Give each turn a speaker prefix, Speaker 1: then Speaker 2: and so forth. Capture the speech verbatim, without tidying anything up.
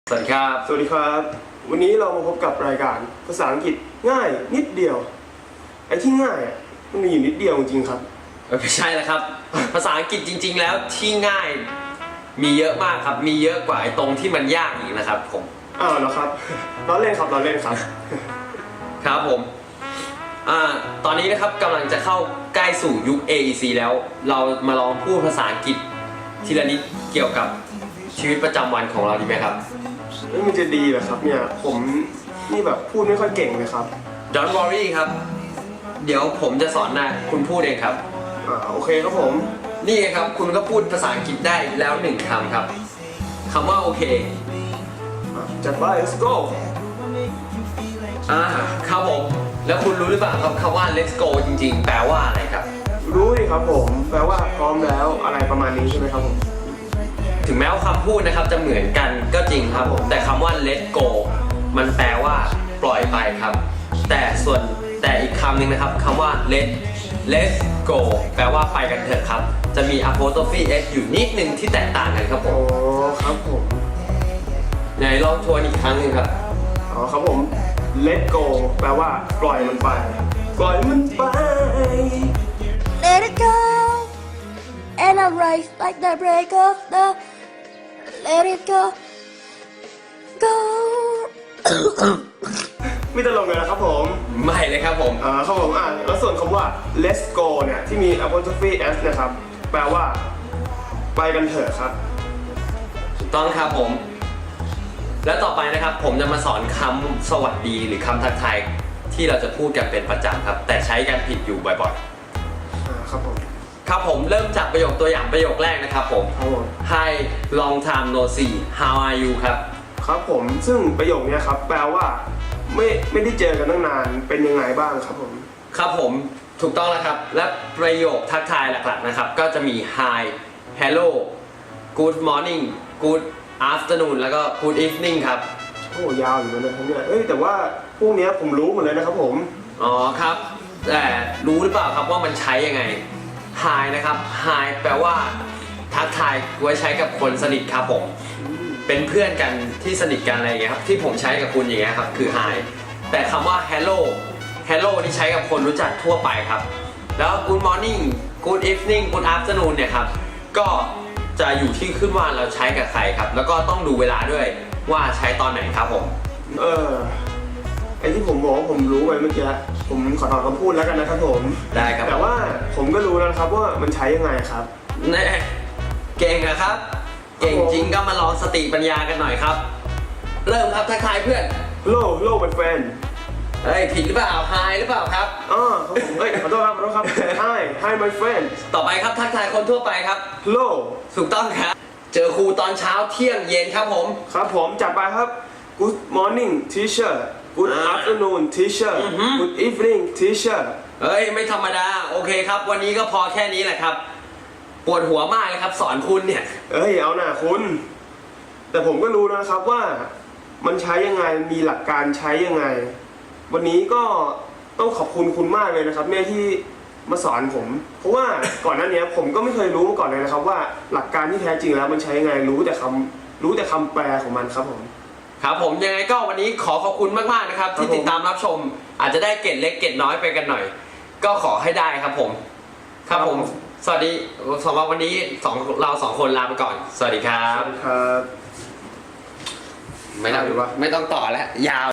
Speaker 1: สวัสดีครับ
Speaker 2: สวัสดีครับวันนี้เรามาพบกับรายการภาษาอังกฤษง่ายนิดเดียวไอ้ที่ง่ายอ่ะมันมีอยู่นิดเดียวจริงๆครับ
Speaker 1: ไม่ใช่แล้วครับ ภาษาอังกฤษจริงๆแล้วที่ง่ายมีเยอะมากครับมีเยอะกว่าไอ้ตรงที่มันยากอีกนะครับผม
Speaker 2: อ้าวเหรอครับล้อเล่นครับล้อเล่นครับ
Speaker 1: ครับผมอ่าตอนนี้นะครับกำลังจะเข้าใกล้สู่ยุค เอ อี ซี แล้วเรามาลองพูดภาษาอังกฤษทีละนิดเกี่ยวกับชีวิตประจำวันของเราดีไหมครับ
Speaker 2: ไม่มันจะดีเหรอครับเนี่ยผมนี่แบบพูดไม่ค่อยเก่งเลยครับ
Speaker 1: Don't worry ครับเดี๋ยวผมจะสอนนะคุณพูดเองครับ
Speaker 2: อ่าโอเคครับผม
Speaker 1: นี่ครับคุณก็พูดภาษาอังกฤษได้แล้วหนึ่งคำครับคำว่าโอเค
Speaker 2: จัดไป let's go
Speaker 1: อ่าครับผมแล้วคุณรู้หรือเปล่าครับคำว่า let's go จริงๆแปลว่าอะไรครับ
Speaker 2: รู้ดิครับผมแปลว่าพร้อมแล้วอะไรประมาณนี้ใช่ไหมครับผม
Speaker 1: ถึงแม้ว่าคำพูดนะครับจะเหมือนกันก็จริงครับผมแต่คำว่า let go มันแปลว่าปล่อยไปครับแต่ส่วนแต่อีกคำหนึ่งนะครับคำว่า let let's go แปลว่าไปกันเถอะครับจะมี apostrophe s อยู่นิดนึงที่แตกต่างกันครับผม
Speaker 2: อ๋อครับผม
Speaker 1: ไหนลองทวนอีกครั้งหนึ่งครับ
Speaker 2: อ๋อครับผม let go แปลว่าปล่อยมันไปปล่อยมันไป
Speaker 3: Let it go and I rise like the break of the Let it go go
Speaker 2: ไม่ตลกเลยนะครับผม
Speaker 1: ไม่เลยครับผม
Speaker 2: อ่าครับผมอ่าแล้วส่วนคำว่า let's go เนี่ยที่มี apostrophe s นะครับแปลว่าไปกันเถอะครับ
Speaker 1: ถูกต้องครับผมและต่อไปนะครับผมจะมาสอนคำสวัสดีหรือคำทักทายที่เราจะพูดกันเป็นประจำครับแต่ใช้กันผิดอยู่บ่อย
Speaker 2: ๆอ่าครับผม
Speaker 1: ครับผมเริ่มจากประโยคตัวอย่างประโยคแรกนะครับผม Hi long time no see how are you ครับ
Speaker 2: ครับผมซึ่งประโยคนี้ครับแปลว่าไม่ไม่ได้เจอกันตั้งนานเป็นยังไงบ้างครับผม
Speaker 1: ครับผมถูกต้องแล้วครับและประโยคทักทายหลักๆนะครับก็จะมี Hi Hello Good morning Good afternoon แล้วก็ Good evening ครับ
Speaker 2: โอ้ยาวอยู่เลยครับเนี่ยเอ้ยแต่ว่าพวกนี้ผมรู้หมดเลยนะครับผม
Speaker 1: อ๋อครับแต่รู้หรือเปล่าครับว่ามันใช้ยังไง Hi นะครับ Hi แปลว่าทักทายไว้ใช้กับคนสนิทครับผมเป็นเพื่อนกันที่สนิทกันอะไรอย่างเงี้ยครับที่ผมใช้กับคุณอย่างเงี้ยครับคือ Hi แต่คำว่า Hello Hello ที่ใช้กับคนรู้จักทั่วไปครับแล้ว Good morning Good evening Good afternoon เนี่ยครับก็จะอยู่ที่ขึ้นว่าเราใช้กับใครครับแล้วก็ต้องดูเวลาด้วยว่าใช้ตอนไหนครับผม
Speaker 2: เออไอที่ผมบอกว่าผมรู้ไปเมื่อกี้ผมขอถอนคำพูดแล้วกันนะครับผม
Speaker 1: ได้ครับ
Speaker 2: แต่ว่าผมก็รู้แล้วครับว่ามันใช้ยังไงครับ
Speaker 1: แน่เก่งนะครับเก่งจริงก็มาลองสติปัญญากันหน่อยครับเริ่มครับทักทายเพื่อน
Speaker 2: Hello Hello my friend
Speaker 1: เฮ้ยผิดหรือเปล่า Hi หรือเปล่าครับ
Speaker 2: อ๋อครับผมเฮ้ยขอโทษครับขอโทษครับ Hi Hi my friend
Speaker 1: ต่อไปครับทักทายคนทั่วไปครับ
Speaker 2: Hello
Speaker 1: ถูกต้องครับเจอครูตอนเช้าเที่ยงเย็นครับผม
Speaker 2: ครับผมจัดไปครับ Good morning teacher Good afternoon teacher Good evening teacher
Speaker 1: เฮ้ยไม่ธรรมดาโอเคครับวันนี้ก็พอแค่นี้แหละครับปวดหัวมากเลยครับสอนคุณเนี่ย
Speaker 2: เอ้ยเอาหน่าคุณแต่ผมก็รู้นะครับว่ามันใช้ยังไงมีหลักการใช้ยังไงวันนี้ก็ต้องขอบคุณคุณมากเลยนะครับเนี่ยที่มาสอนผมเพราะว่าก่อนหน้านี้ผมก็ไม่เคยรู้มาก่อนเลยนะครับว่าหลักการที่แท้จริงแล้วมันใช้ยังไงรู้แต่คำรู้แต่คำแปลของมันครับผม
Speaker 1: ครับผมยังไงก็วันนี้ขอขอบคุณมากๆนะครับที่ติดตามรับชมอาจจะได้เกร็ดเล็กเกร็ดน้อยไปกันหน่อยก็ขอให้ได้ครับผมครับผมสวัสดีสำหรับวันนี้สองเราสองคนลาไปก่อนสวัสดีครับ
Speaker 2: ครับ
Speaker 1: ไม่ต้องไม่ต้องต่อแล้วยาว